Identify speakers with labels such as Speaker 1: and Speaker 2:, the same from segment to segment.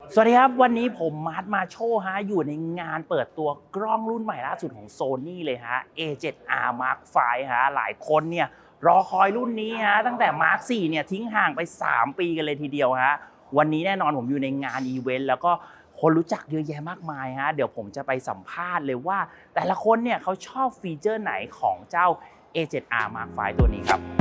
Speaker 1: สวัสดีครับวันนี้ผมมาโชว์ฮะอยู่ในงานเปิดตัวกล้องรุ่นใหม่ล่าสุดของ Sony เลยฮะ A7R Mark V ฮะหลายคนเนี่ยรอคอยรุ่นนี้ฮะตั้งแต่ Mark 4เนี่ยทิ้งห่างไป3 ปีกันเลยทีเดียวฮะวันนี้แน่นอนผมอยู่ในงานอีเวนต์แล้วก็คนรู้จักเยอะแยะมากมายฮะเดี๋ยวผมจะไปสัมภาษณ์เลยว่าแต่ละคนเนี่ยเขาชอบฟีเจอร์ไหนของเจ้า A7R Mark V ตัวนี้ครับ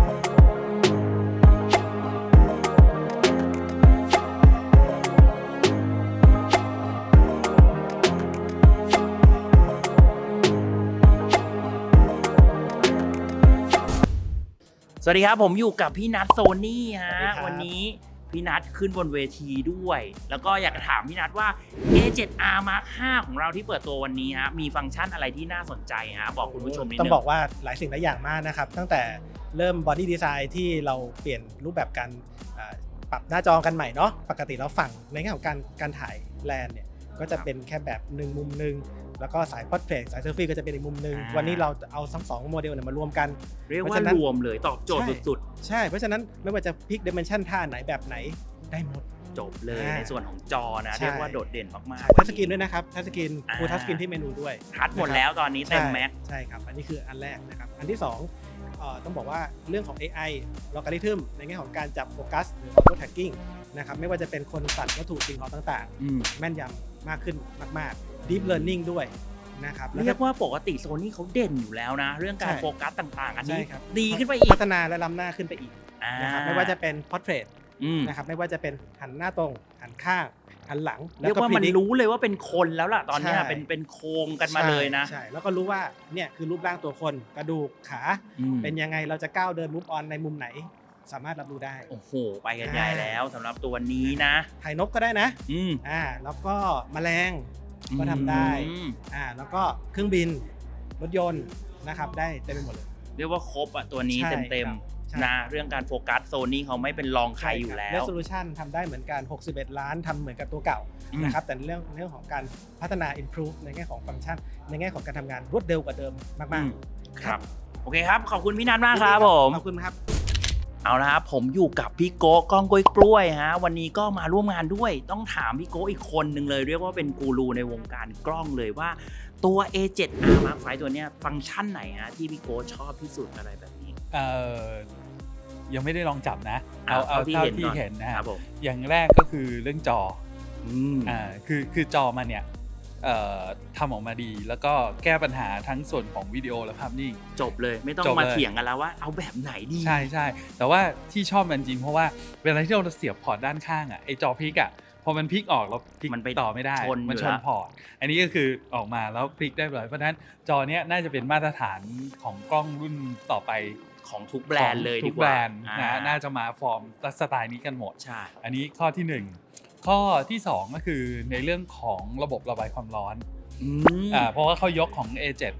Speaker 1: สวัสดีครับผมอยู่กับพี่นัทโซนี่ฮะวันนี้พี่นัทขึ้นบนเวทีด้วยแล้วก็อยากจะถามพี่นัทว่า A7R Mark V ของเราที่เปิดตัววันนี้ฮะมีฟังก์ชันอะไรที่น่าสนใจฮะบอกคุณผู้ชมนิดนึง
Speaker 2: ต้องบอกว่าหลายสิ่งหลายอย่างมากนะครับตั้งแต่เริ่มบอดี้ดีไซน์ที่เราเปลี่ยนรูปแบบการปรับหน้าจอกันใหม่เนาะปกติเราฝั่งในแง่ของการถ่ายแลนเนี่ยก็จะเป็นแค่แบบหนึ่งมุมหนึ่งแล้วก็สายพอร์เทรตสายเซลฟี่ก็จะเป็นอีกมุมหนึ่งวันนี้เราเอาทั้ง2โมเดลมารวมกัน
Speaker 1: เรียกว่ารวมเลยตอบโจทย์สุด
Speaker 2: ๆใช่เพราะฉะนั้นไม่ว่าจะพิกดิเมนชันท่าไหนแบบไหนได้หมด
Speaker 1: จบเลยในส่วนของจอนะเรียกว่าโดดเด่นมาก
Speaker 2: ๆทัชสกรีนด้วยนะครับทัชสกรีนฟูลทัชสกรีนที่เมนูด้วย
Speaker 1: ทัชหมดแล้วตอนนี้เต็มแม็ก
Speaker 2: ใช่ครับอันนี้คืออันแรกนะครับอันที่2ต้องบอกว่าเรื่องของ AI ลอการิทึมในแง่ของการจับโฟกัสหรือ auto tracking นะครับไม่ว่าจะเป็นคนสัตว์วัตถุสิ่งของต่างๆแม่นยำมากขึ้นมากๆ deep learning ด้วยนะครับ
Speaker 1: เรียกว่าปกติโซนี่เขาเด่นอยู่แล้วนะเรื่องการโฟกัสต่างๆอันนี้ดีขึ้นไปอีก
Speaker 2: พัฒนาและล้ำหน้าขึ้นไปอีกนะครับไม่ว่าจะเป็น portrait นะครับไม่ว่าจะเป็นหันหน้าตรงหันข้างหันหลัง
Speaker 1: เรียกว่ามันรู้เลยว่าเป็นคนแล้วล่ะตอนนี้เป็นโครงกันมาเลยนะ
Speaker 2: ใช่แล้วก็รู้ว่าเนี่ยคือรูปร่างตัวคนกระดูกขาเป็นยังไงเราจะก้าวเดินมูฟออนในมุมไหนสามารถรับรู้ได้
Speaker 1: โอ้โหไปกันใหญ่แล้วสำหรับตัวนี้นะ
Speaker 2: ถ่ายนกก็ได้นะแล้วก็แมลงก็ทำได้แล้วก็เครื่องบินรถยนต์นะครับได้เต็มไปหมดเลย
Speaker 1: เรียกว่าครบอ่ะตัวนี้เต็มนะเรื่องการโฟกัสโซนี่เขาไม่เป็นรองใครอยู่แล้ว
Speaker 2: resolution ทำได้เหมือนกัน61ล้านทำเหมือนกับตัวเก่านะครับแต่เรื่องของการพัฒนา improve ในแง่ของฟังก์ชันในแง่ของการทำงานรวดเร็วกว่าเดิมมาก
Speaker 1: ๆครับโอเคครับขอบคุณพี่นัทมากครับผม
Speaker 2: ขอบคุณครับ
Speaker 1: เอาละครับผมอยู่กับพี่โก้กล้องกล้วยฮะวันนี้ก็มาร่วมงานด้วยต้องถามพี่โก้อีกคนหนึ่งเลยเรียกว่าเป็นกูรูในวงการกล้องเลยว่าตัว A7R Mark V ตัวเนี้ยฟังก์ชันไหนฮะที่พี่โก้ชอบที่สุดอะไรแบบนี้
Speaker 3: ยังไม่ได้ลองจับนะเอาเท่าที่เห็นนะครับอย่างแรกก็คือเรื่องจอคือจอมันเนี่ยทำออกมาดีแล้วก็แก้ปัญหาทั้งส่วนของวิดีโอและภาพนิ่ง
Speaker 1: จบเลยไม่ต้องมาเถียงกันแล้วว่าเอาแบบไหนดี
Speaker 3: ใช่แต่ว่าที่ชอบมันจริงเพราะว่าเวลาที่เราเสียบพอร์ตด้านข้างไอ้จอพลิกพอมันพลิกออกแล้วพลิกมันไปต่อไม่ได้มันชนพอร์ตอันนี้ก็คือออกมาแล้วพลิกได้เลยเพราะฉะนั้นจอเนี้ยน่าจะเป็นมาตรฐานของกล้องรุ่นต่อไป
Speaker 1: ของทุกแบรนด์เลย
Speaker 3: ทุกแบรนด์นะน่าจะมาฟอร์มสไตล์นี้กันหมด
Speaker 1: ใช่
Speaker 3: อันนี้ข้อที่1ข้อที่2ก็คือในเรื่องของระบบระบายความร้อนเพราะว่าเขายกของ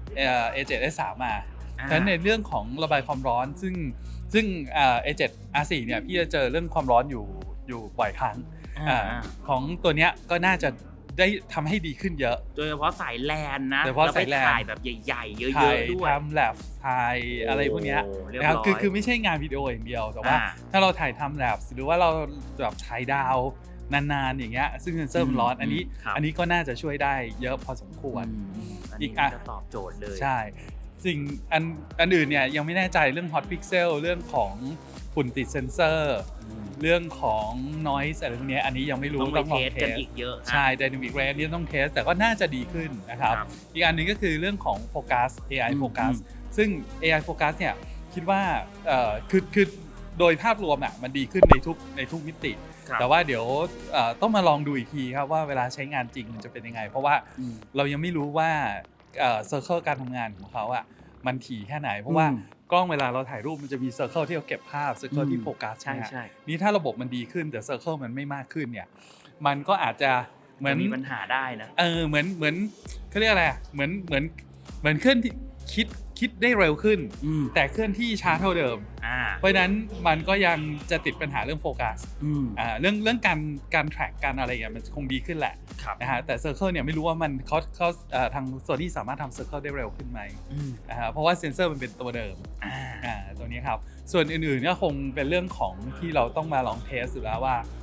Speaker 3: A7S3 มาฉะนั้นในเรื่องของระบายความร้อนซึ่งA7R4 เนี่ยพี่จะเจอเรื่องความร้อนอยู่บ่อยครั้งของตัวเนี้ยก็น่าจะได้ทำให้ดีขึ้นเยอะ
Speaker 1: โดยเฉพาะสายแลนนะแล้วไปถ่ายแบบใหญ่ๆเยอะๆด้วย
Speaker 3: ทำแลบถ่ายอะไรพวกเนี้ยนะครับคือไม่ใช่งานวิดีโออย่างเดียวแต่ว่าถ้าเราถ่ายทำแลบหรือว่าเราแบบถ่ายดาวนานๆอย่างเงี้ยซึ่งเซนเซอร์มันร้อนอันนี้ก็น่าจะช่วยได้เยอะพอสมควร
Speaker 1: อีกจะตอบโจทย์เลย
Speaker 3: ใช่สิ่งอันอื่นเนี่ยยังไม่แน่ใจเรื่อง hot pixel เรื่องของฝุ่นติดเซนเซอร์เรื่องของ noise อะไรพวกนี้อันนี้ยังไม่รู้
Speaker 1: ต้องเทสกันอีกเยอะ
Speaker 3: ใช่ dynamic range นี่ต้องเทสแต่ก็น่าจะดีขึ้นนะครับอีกอันนึงก็คือเรื่องของ focus AI focus ซึ่ง AI focus เนี่ยคิดว่าคือโดยภาพรวมมันดีขึ้นในทุกมิติแต่ว่าเดี๋ยวต้องมาลองดูอีกทีครับว่าเวลาใช้งานจริงมันจะเป็นยังไงเพราะว่าเรายังไม่รู้ว่าเซอร์เคิลการทำงานของเขามันถี่แค่ไหนเพราะว่ากล้องเวลาเราถ่ายรูปมันจะมีเซอร์เคิลที่เราเก็บภาพเซอร์เคิลที่โฟกัส
Speaker 1: ใช่
Speaker 3: นี่ถ้าระบบมันดีขึ้นแต่เซอร์เคิลมันไม่มากขึ้นเนี่ยมันก็อาจจะเหมือน
Speaker 1: มีปัญหาได้นะ
Speaker 3: เหมือนเขาเรียกอะไรเหมือนเคลื่อนที่คิดได้เร็วขึ้นแต่เคลื่อนที่ช้าเท่าเดิมเพราะฉะนั้นมันก็ยังจะติดปัญหาเรื่องโฟกัสเรื่องการแทร็กการอะไรอย่างเงี้ยมันคงดีขึ้นแหละนะฮะแต่เซอร์เคิลเนี่ยไม่รู้ว่ามันเขาทางโซนี่สามารถทำเซอร์เคิลได้เร็วขึ้นไหมเพราะว่าเซนเซอร์มันเป็นตัวเดิมตัวนี้ครับส่วนอื่นๆก็คงเป็นเรื่องของที่เราต้องมาลองเทสอยู่แล้วว่า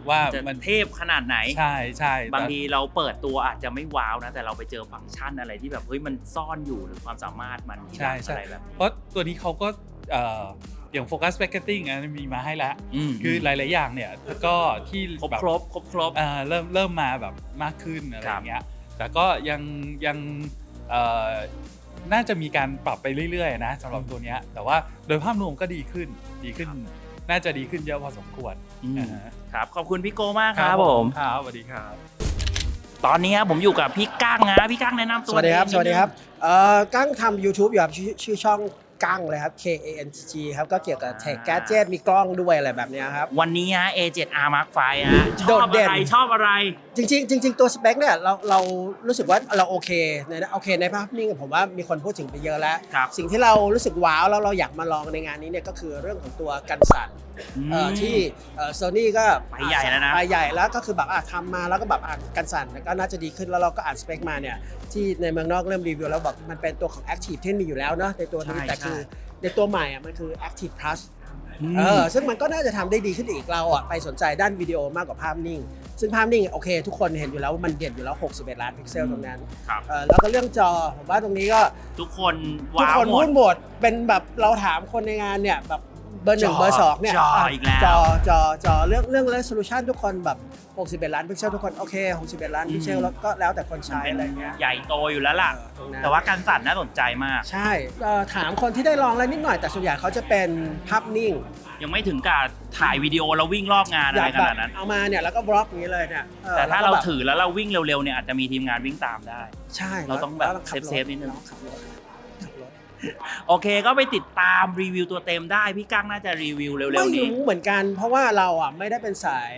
Speaker 3: ว่า
Speaker 1: จะ
Speaker 3: มัน
Speaker 1: เทพขนาดไหน
Speaker 3: ใช่ใช่
Speaker 1: บางทีเราเปิดตัวอาจจะไม่ว้าวนะแต่เราไปเจอฟังก์ชันอะไรที่แบบเฮ้ยมันซ่อนอยู่หรือความสามารถมัน
Speaker 3: ใช่
Speaker 1: อะไรแบบ
Speaker 3: เพราะตัวนี้เขาก็อย่างโฟกัสแบ็กเกตติ้งมีมาให้แล้ว
Speaker 1: ม
Speaker 3: คือหลายๆอย่างเนี่ยก็ที่
Speaker 1: ครบ
Speaker 3: แบบ
Speaker 1: ครบ
Speaker 3: เริ่มมาแบบมากขึ้นอะไรอย่างเงี้ยแต่ก็ยังน่าจะมีการปรับไปเรื่อยๆนะสำหรับตัวเนี้ยแต่ว่าโดยภาพรวมก็ดีขึ้นน่าจะดีขึ้นเยอะพอสมควร
Speaker 1: ครับขอบคุณพี่โก้มากครับผม
Speaker 3: ครับสวัสดีครับ
Speaker 1: ตอนนี้ผมอยู่กับพี่กั้งนะพี่กั้งแนะนำตัว
Speaker 2: สวัสดีครับ
Speaker 1: เอง
Speaker 2: สวัสดีครับ
Speaker 1: นินึง
Speaker 2: กั้งทำ YouTube อยู่ครับชื่อช่องกั้งเลยครับ KANG ครับก็เกี่ยวกับเทคแกจ็ตมีกล้องด้วยอะไรแบบเนี้ยครับ
Speaker 1: วันนี้A7R Mark V ช
Speaker 2: โด
Speaker 1: อบ
Speaker 2: ดเด่
Speaker 1: อะ
Speaker 2: น
Speaker 1: ไรชอบอะไร
Speaker 2: จริงตัวสเปคเนี่ยเรารู้สึกว่าเราโอเคในภาพนิ่งผมว่ามีคนพูดถึงไปเยอะแล้ว
Speaker 1: ครับ
Speaker 2: สิ่งที่เรารู้สึกว้าวแล้วเราอยากมาลองในงานนี้เนี่ยก็คือเรื่องของตัวกันสั่นที่โซนี่ก็
Speaker 1: ไปใหญ่แล้วนะ
Speaker 2: ไปใหญ่แล้วก็คือแบบทำมาแล้วก็แบบกันสั่นก็น่าจะดีขึ้นแล้วเราก็อ่านสเปคมาเนี่ยที่ในเมืองนอกเริ่มรีวิวแล้วบอกมันเป็นตัวของ Active ที่มีอยู่แล้วเนาะในตัวนี้
Speaker 1: ใช่
Speaker 2: แต่คือในตัวใหม่มันคือ Active Plus
Speaker 1: อืม
Speaker 2: ซึ่งมันก็น่าจะทำได้ดีขึ้นอีกเราไปสนใจด้านวิดีโอมากกว่าภาพนิ่ง ซึ่งภาพนิ่งโอเคทุกคนเห็นอยู่แล้วว่ามันเด่นอยู่แล้ว61ล้านพิกเซลตรงนั้น
Speaker 1: ครับ
Speaker 2: แล้วก็เรื่องจอผมว่าตรงนี้ก็
Speaker 1: ทุกคน
Speaker 2: ทุก
Speaker 1: ว้าว
Speaker 2: คน
Speaker 1: หม
Speaker 2: พู
Speaker 1: ด
Speaker 2: ดหมดเป็นแบบเราถามคนในงานเนี่ยแบบเบอร์หนึ่ง
Speaker 1: จอ
Speaker 2: เบอร์สองเนี่ย
Speaker 1: จออีกแล้ว
Speaker 2: จอเรื่อง resolution ทุกคนแบบ61ล้านพิกเซลทุกคนโอเค61ล้านพิกเซลแล้วก็แล้วแต่คนใช้
Speaker 1: เป็น
Speaker 2: อะไรเงี้ย
Speaker 1: ใหญ่โตอยู่แล้วล่ะ
Speaker 2: ตรงนั้น
Speaker 1: แต่ว่าการสั่นน่าสนใจมาก
Speaker 2: ใช่ถามคนที่ได้ลองแล้วนิดหน่อยแต่ส่วนใหญ่เขาจะเป็นภาพนิ่ง
Speaker 1: ยังไม่ถึงกับถ่ายวิดีโอแล้ววิ่งรอบงานอะไรขนาดนั้น
Speaker 2: เอามาเนี่ยแล้วก็บล็อกอย่างนี้เลยเนี่ย
Speaker 1: แต่ถ้า
Speaker 2: ล้ว
Speaker 1: เรา
Speaker 2: ก็แบบ
Speaker 1: ถือแล้วเราวิ่งเร็วๆเนี่ยอาจจะมีทีมงานวิ่งตามได้
Speaker 2: ใช่
Speaker 1: เราต้องแบบ
Speaker 2: ล้วขัรถ
Speaker 1: เซฟๆนิดนึง
Speaker 2: ขับรถ
Speaker 1: โอเคก็ไปติดตามรีวิวตัวเต็มได้พี่กั้งน่าจะรีวิวเร็วๆ
Speaker 2: ไม่
Speaker 1: นี้
Speaker 2: รู้เหมือนกันเพราะว่าเราไม่ได้เป็นสาย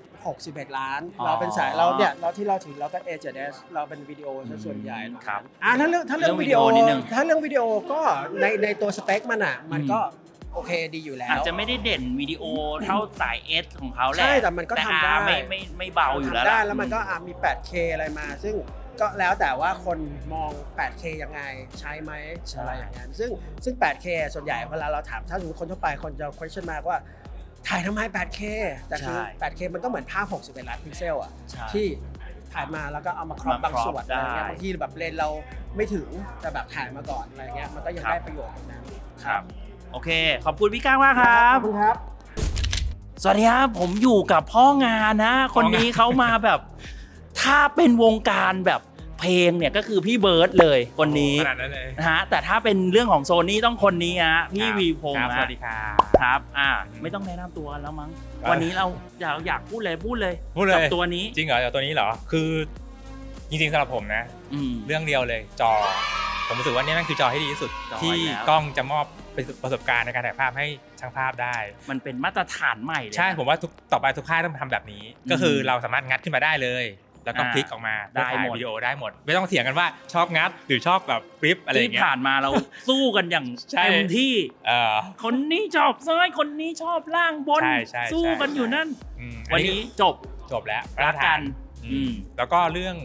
Speaker 2: 61ล้าน
Speaker 1: อ๋อ
Speaker 2: เราเป็นสายเราเนี่ยเราที่เราถือเราก็ A7S เราเป็นวิดีโอซะส่วนใหญ่
Speaker 1: ครับ
Speaker 2: ถ้าเรื่องวิดีโอ
Speaker 1: เรื่องวิดีโอนิดนึง
Speaker 2: ถ้าเรื่องวิดีโอก็ในตัวสเปคมันก็โอเคดีอยู่แล้ว
Speaker 1: อาจจะไม่ได้เด่นวิดีโอเท่าสาย S ของเขาแหละ
Speaker 2: ใช่แต่มันก็ทำได้
Speaker 1: ไม่เบาอยู่แล้ว
Speaker 2: ทำได้
Speaker 1: ล่ะ
Speaker 2: แล้วมันก็มี 8K อะไรมา ซึ่งก็แล้วแต่ว่าคนมอง 8K ยังไงใช้ไหมอะไรอย่างเงี้ยซึ่ง 8K ส่วนใหญ่เวลาเราถามถ้าสมมติคนทั่วไปคนจะ question มากว่าถ่ายทำไม 8K แต่คือ 8K มันก็เหมือนภาพ61ล้านพิกเซลที่ถ่ายมาแล้วก็เอามาครอปบางส่วนอะไรเงี้ยบางทีแบบเลนเราไม่ถึงแต่แบบถ่ายมาก่อนอะไรเงี้ยมันก็ยังได้ประโยชน์ตรงนั้น
Speaker 1: ครับโอเค ขอบคุณพี่ก้างมากครับ
Speaker 2: ขอบคุณครับ
Speaker 1: สวัสดีครับผมอยู่กับพ่องานนะ คนนี้เขามาแบบถ้าเป็นวงการแบบเพลงเนี่ยก็คือพี่เบิร์ดเลยคนนี้
Speaker 3: ขนาดนั้นเลย
Speaker 1: นะฮะแต่ถ้าเป็นเรื่องของโซนี่ต้องคนนี้ฮะพี่วีพงษ์
Speaker 3: ส
Speaker 1: ฮะ
Speaker 3: วัสดีครับ
Speaker 1: ครับไม่ต้องแนะนำตัวแล้วมั้ง
Speaker 3: ครับ
Speaker 1: วันนี้เราอยากพูดเลย
Speaker 3: พูดเลย
Speaker 1: กับตัวนี้
Speaker 4: จริงเหรอตัวนี้เหรอคือจริงๆสำหรับผมนะ เรื่องเดียวเลยจอ ผมรู้สึกว่านี่แม่งคือจอที่ดีที่สุด
Speaker 1: จอ
Speaker 4: ที่
Speaker 1: แล้ว
Speaker 4: กล้องจะมอบประสบการณ์ในการถ่ายภาพให้ช่างภาพได้
Speaker 1: มันเป็นมาตรฐานใหม่เลย
Speaker 4: ใช่ผมว่าต่อไปทุกค่ายต้องทำแบบนี้ ก็คือเราสามารถงัดขึ้นมาได้เลย แล้วก็พลิกออกมา
Speaker 1: ได้
Speaker 4: ถ่าย
Speaker 1: หมด
Speaker 4: วิดีโอได้หมด ไม่ต้องเถียงกันว่าชอบงัดหรือชอบแบบฟลิปอะไรอย่าง
Speaker 1: ที่
Speaker 4: เงี้ย
Speaker 1: ผ่านมาเราสู้กันอย่าง
Speaker 4: ใช่
Speaker 1: เต็มที่
Speaker 4: เออ
Speaker 1: คนนี้ชอบซ้ายคนนี้ชอบล่างบน
Speaker 4: ใช่
Speaker 1: สู้กันอยู่นั่น
Speaker 4: อั
Speaker 1: วันนี้จบ
Speaker 4: จบแล้ว
Speaker 1: รักกัน
Speaker 4: อืมแล้วก็เรื่อง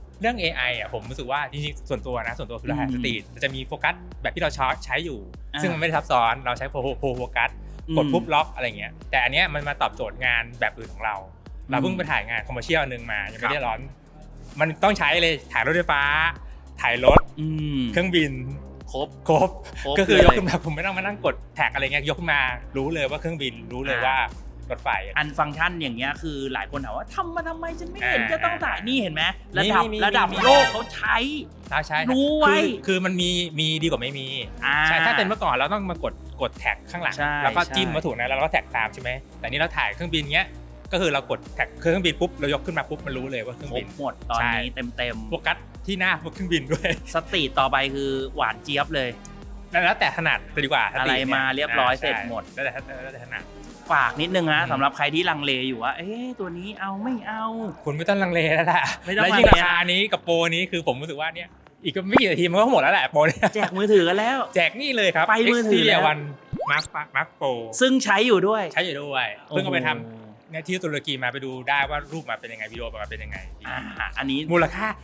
Speaker 4: AI ผมรู้สึกว่าจริงๆส่วนตัวคือเราถ่ายสตรีทจะมีโฟกัสแบบที่เราใช้อยู่ ซึ่งมันไม่ได้ซับซ้อนเราใช้โฟกัสกดปุ๊บล็อกอะไรเงี้ยแต่อันเนี้ยมันมาตอบโจทย์งานแบบอื่นของเราเพิ่งไปถ่ายงานคอมเมอร์เชียลนึงมายังไม่ได้ร้อนมันต้องใช้เลยถ่ายรถไฟฟ้าถ่ายรถเครื่องบินครบก็คือยกขึ้นมาผมไม่ต้องมานั่งกดแท็กอะไรเงี้ยยกขึ้นมารู้เลยว่าเครื่องบินรู้เลยว่ารถไฟ
Speaker 1: อันฟังก์ชันอย่างเงี้ยคือหลายคนถามว่าทำมาทำไมฉันไม่เห็น
Speaker 4: อ่า
Speaker 1: จะต้องถ่ายนี่เห็นไหม
Speaker 4: มี
Speaker 1: ระดับ
Speaker 4: มี
Speaker 1: โลกเขาใช้
Speaker 4: ใช่
Speaker 1: รู้ไว้
Speaker 4: คือมันมีดีกว่าไม่มีใช่ถ้าเป็นเมื่อก่อนเราต้องมากดแท็กข้างหลัง
Speaker 1: ใช่
Speaker 4: แล้วก็จิ้ม
Speaker 1: ใช่
Speaker 4: วัตถุนั้นแล้วเราก็แท็กตามใช่ไหมแต่นี่เราถ่ายเครื่องบินเงี้ยก็คือเรากดแท็กเครื่องบินปุ๊บเรายกขึ้นมาปุ๊บมันรู้เลยว่าเครื่อง
Speaker 1: คร
Speaker 4: บิ
Speaker 1: บ
Speaker 4: น
Speaker 1: หมดตอนนี้
Speaker 4: ใช่
Speaker 1: เต็ม
Speaker 4: โฟกัสที่หน้าเครื่องบินด้วย
Speaker 1: สตรีทต่อไปคือหวานเจี๊ยบเลย
Speaker 4: แล้วแต่ถนัดเลยดีกว่า
Speaker 1: อะไรมาเรียบร้อยเสร็จหมด
Speaker 4: แล้วแต่ถนัด
Speaker 1: ฝากนิดนึงนะ
Speaker 4: อืม
Speaker 1: สำหรับใครที่ลังเลอยู่ว่าตัวนี้เอาไม่เอา
Speaker 4: คุณไม่ต้องลังเลแล้วแหละ
Speaker 1: ไม่ต้อง
Speaker 4: แล้วยิ่ง
Speaker 1: ลังเล
Speaker 4: ราคานี้กับโปรนี้คือผมรู้สึกว่าเนี่ยอีกก็ไม่กี่นาทีมันก็หมดแล้วแหละโปรเนี่ย
Speaker 1: แจกมือถือกันแล้ว
Speaker 4: แจกนี่เลยครับ
Speaker 1: ไปมือถือแล้ว
Speaker 4: Xperia One Mark Pro
Speaker 1: ซึ่งใช้อยู่ด้วย
Speaker 4: ใช้อยู่ด้วยเพิ่งเอาไปท
Speaker 1: โอ้โห
Speaker 4: ำเนี่ยที่ตุรกีมาไปดูได้ว่ารูปมาเป็นยังไงวิดีโอมาเป็นยังไง
Speaker 1: อันนี้
Speaker 4: มูลค่า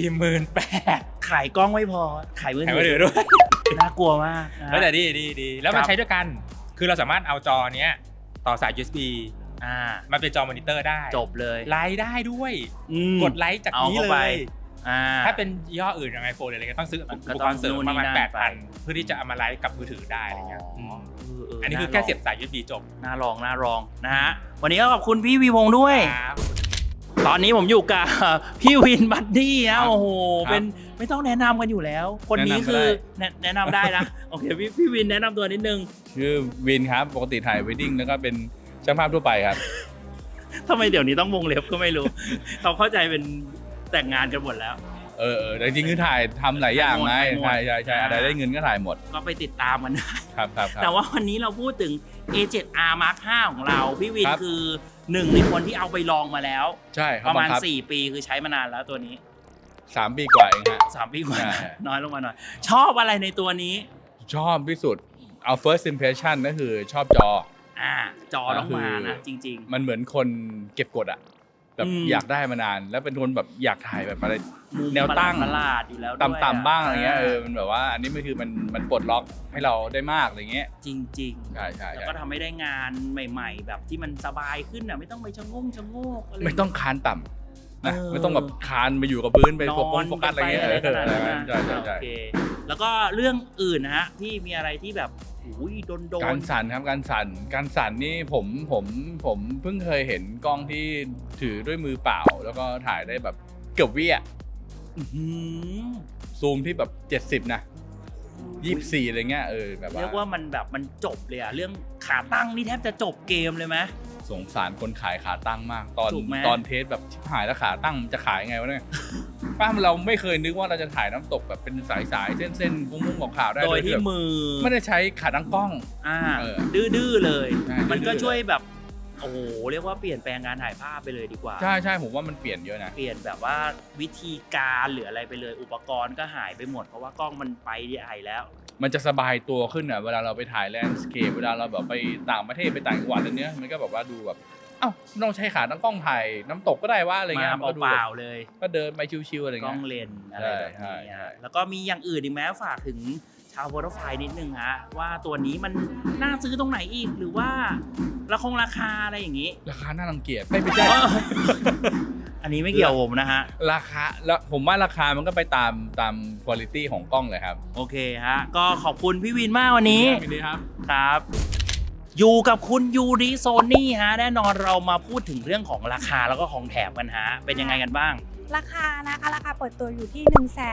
Speaker 4: 48,000
Speaker 1: ขายกล้องไม่พอขายมือ
Speaker 4: แถม
Speaker 1: ถื
Speaker 4: มือถือด้วย
Speaker 1: น่ากลัวมากนะ
Speaker 4: แล้วแต่ดีแล้วมัน
Speaker 1: ครับ
Speaker 4: ใช้ด้วยกันคือเราสามารถเอาจอเนี้ยต่อสาย USB มันเป็นจอมอนิเตอร์ได้
Speaker 1: จบเลย
Speaker 4: ไลฟ์ได้ด้วย กดไลฟ์จาก
Speaker 1: เอา
Speaker 4: นี้
Speaker 1: เข้า
Speaker 4: เล
Speaker 1: ไป
Speaker 4: ย
Speaker 1: อ่า
Speaker 4: ถ้าเป็นยี่ห้ออื่นอย่างไอโฟนอะไรก็ต้องซื้ออุปกรณ์เสริมประมาณ 8,000 เพื่อที่จะเอามาไลฟ์กับมือถือได้อะไรเงี้ยอันนี้คือแค่เสียบสาย USB จบ
Speaker 1: น่าลองนะฮะวันนี้ก็ขอบคุณพี่วีพงษ์ด้วย
Speaker 4: ครับ
Speaker 1: ตอนนี้ผมอยู่กับ พี่วินบัดดี้
Speaker 3: ครั
Speaker 1: นะ
Speaker 3: บ
Speaker 1: โอ้โห
Speaker 3: ครับ
Speaker 1: เป็นไม่ต้องแนะนำกันอยู่แล้ว คนนี้คือแนะนำได้นะ โอเคพี่วินแนะนำตัวนิดนึง
Speaker 3: ชื่อวินครับปกติถ่ายเวดดิ้งแล้วก็เป็นช่างภาพทั่วไปครับ
Speaker 1: ทำไมเดี๋ยวนี้ต้องวงเล็บก็ไม่รู้ เขาเข้าใจเป็นแต่งงานกันหมดแล้ว
Speaker 3: แต่จริงๆคือถ่ายทำหลายอย่างไง
Speaker 1: ถ่ายหมด
Speaker 3: ใช่อะไรได้เงินก็ถ่ายหมด
Speaker 1: ก็ไปติดตามกันได้
Speaker 3: ครับ
Speaker 1: แต่ว่าวันนี้เราพูดถึง A7R Mark 5ของเรา พี่วิน
Speaker 3: ครับ
Speaker 1: คือหนึ่งในคนที่เอาไปลองมาแล้ว
Speaker 3: ใช่
Speaker 1: ประมาณ
Speaker 3: บังคับ
Speaker 1: 4 ปีคือใช้มานานแล้วตัวนี้
Speaker 3: 3 ปีกว่าเองฮะ
Speaker 1: 3 ปีกว่า
Speaker 3: ใช่
Speaker 1: น้อยลงมาหน่อย ชอบอะไรในตัวนี้
Speaker 3: ชอบที่สุดเอา first impression ก็คือชอบจอ
Speaker 1: จอต้องมานะ จริง
Speaker 3: มันเหมือนคนเก็บกดอะแบบ
Speaker 1: อืม
Speaker 3: อยากได้มานาน แล้วเป็นคนแบบอยากถ่ายแบบอะไร
Speaker 1: ๆมุม
Speaker 3: แนวตั้ง
Speaker 1: ประหลาดๆอยู่แล้วด้วย
Speaker 3: ต่ำๆบ้างอะไรเงี้ยมันแบบว่าอันนี้มันคือมันปลดล็อกให้เราได้มากอะไรเงี้ย
Speaker 1: จริงๆ
Speaker 3: ใช่
Speaker 1: แล้วก็ทำให้ได้งานใหม่ๆ แบบที่มันสบายขึ้นอ่ะไม่ต้องไปชะโงกอะไร
Speaker 3: ไม่ต้องคานต่ำนะ
Speaker 1: เออ
Speaker 3: ไม่ต้องแบบคานไปอยู่กับพื้นไปโฟกัสอะไรเงี้ย
Speaker 1: นนปอะไรขนาดนั้นนะ
Speaker 3: ใช่
Speaker 1: โอเคแล้วก็เรื่องอื่นนะฮะที่มีอะไรที่แบบอุ้ยโดน
Speaker 3: การสั่นครับการสั่นนี่ผมเพิ่งเคยเห็นกล้องที่ถือด้วยมือเปล่า แล้วก็ถ่ายได้แบบเกือบวิอ่ะ
Speaker 1: อื้อหือ
Speaker 3: ซูมที่แบบ70นะ24อะไรเงี้ยแบบว่า
Speaker 1: เรียกว่ามันแบบมันจบเลยอะเรื่องขาตั้งนี่แทบจะจบเกมเลยไหม
Speaker 3: สงสารคนขายขาตั้งมาก
Speaker 1: ถูกไหม
Speaker 3: ตอนเทสแบบชิบหายแล้วขาตั้งมันจะขายไงวะเนี่ย ป้าเราไม่เคยนึกว่าเราจะถ่ายน้ำตกแบบเป็นสายเส้นฟุ้งๆของขาวได้
Speaker 1: โดยที่
Speaker 3: แบบ
Speaker 1: มือ
Speaker 3: ไม่ได้ใช้ขาตั้งกล้อง เออ
Speaker 1: ดื้อๆเลย
Speaker 3: ใช่
Speaker 1: มันก็
Speaker 3: ดื้อๆ
Speaker 1: ช่วยแบบโอ้โหเรียกว่าเปลี่ยนแปลงการถ่ายภาพไปเลยดีกว่า
Speaker 3: ใช่ผมว่ามันเปลี่ยนเยอะนะ
Speaker 1: เปลี่ยนแบบว่าวิธีการหรืออะไรไปเลยอุปกรณ์ก็หายไปหมดเพราะว่ากล้องมันไปใหญ่แล้ว
Speaker 3: มันจะสบายตัวขึ้นอ่ะเวลาเราไปถ่ายแลนด์สเคปเวลาเราแบบไปต่างประเทศไปต่างจังหวัดอะไรเนี้ยมันก็แบบว่าดูแบบเอ้าไม่ต้องใช้ขาตั้งกล้องถ่ายน้ำตกก็ได้ว่าอะไรเงี้ย
Speaker 1: มา
Speaker 3: มันก็ดู
Speaker 1: เป
Speaker 3: แบบ
Speaker 1: ล่าๆเลย
Speaker 3: ก็เดินไปชิวๆอะไร
Speaker 1: กล้
Speaker 3: เงี้
Speaker 1: อย งเลนส์อะไรแบบ
Speaker 3: ใช่
Speaker 1: นี้
Speaker 3: ใช่
Speaker 1: ฮะแล้วก็มีอย่างอื่นอีกไหมฝากถึงชาวโฟโตไฟล์นิดนึงฮะว่าตัวนี้มันน่าซื้อตรงไหนอีกหรือว่าราคาอะไรอย่างนี้
Speaker 3: ราคาน่ารังเกียจไม่ใช่
Speaker 1: อันนี้ไม่เกี่ยวผมนะฮะ
Speaker 3: ราคาแล้วผมว่าราคามันก็ไปตามคุณภาพของกล้องเลยครับ
Speaker 1: โอเคฮะก็ขอบคุณพี่วินมากวันนี้
Speaker 3: ยินดีครับ
Speaker 1: ครับอยู่กับคุณยูริโซนี่ฮะแน่นอนเรามาพูดถึงเรื่องของราคาแล้วก็ของแถมกันฮะเป็นยังไงกันบ้าง
Speaker 5: ราคานะคะราคาเปิดตัวอยู่ที่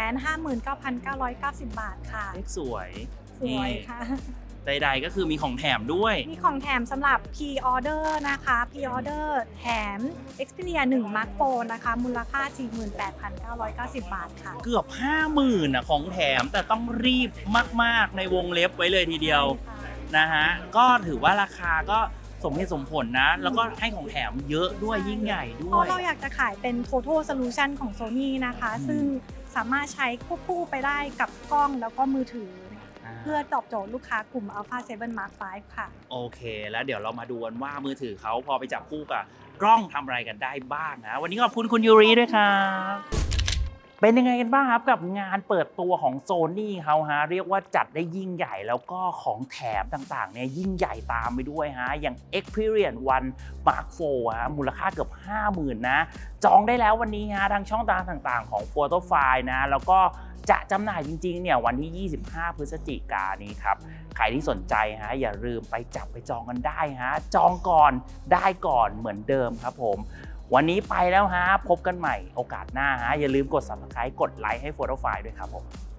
Speaker 5: 159,990 บาทค่ะ
Speaker 1: เลขสวย
Speaker 5: สวยค่ะ
Speaker 1: ใดๆก็คือมีของแถมด้วย
Speaker 5: มีของแถมสำหรับ Pre-order นะคะ Pre-order แถม Xperia 1 Mark Phone นะคะ มูลค่า 48,990 บาทค่ะ
Speaker 1: เกือบ 50,000นะของแถมแต่ต้องรีบมากๆในวงเล็บไว้เลยทีเดียว
Speaker 5: ใช่ค่ะ
Speaker 1: นะฮะก็ถือว่าราคาก็สมเหตุสมผลนะ แล้วก็ให้ของแถมเยอะด้วยยิ่งใหญ่ด้
Speaker 5: เพ
Speaker 1: วย
Speaker 5: ราะเราอยากจะขายเป็น Total Solution ของ Sony นะคะ ซึ่งสามารถใช้ควบคู่ไปได้กับกล้องแล้วก็มือถือ เพื่อตอบโจทย์ลูกค้ากลุ่ม Alpha 7 Mark V ค่ะ
Speaker 1: โอเค แล้วเดี๋ยวเรามาดูกันว่ามือถือเขาพอไปจับคู่กับกล้องทำอะไรกันได้บ้างนะวันนี้ขอบคุณคุณยูริด้วยครับเป็นยังไงกันบ้างครับกับงานเปิดตัวของ Sony เขาฮะเรียกว่าจัดได้ยิ่งใหญ่แล้วก็ของแถมต่างๆเนี่ยยิ่งใหญ่ตามไปด้วยฮะอย่าง Experience One Mark 4ฮะมูลค่าเกือบ 50,000 นะจองได้แล้ววันนี้ฮะทางช่องทางต่างๆของ Photofile นะแล้วก็จะจำหน่ายจริงๆเนี่ยวันที่ 25 พฤศจิกายนนี้ครับใครที่สนใจฮะอย่าลืมไปจับไปจองกันได้ฮะจองก่อนได้ก่อนเหมือนเดิมครับผมวันนี้ไปแล้วฮะพบกันใหม่โอกาสหน้าฮะอย่าลืมกด Subscribe กดไลค์ให้ Photofile ด้วยครับผม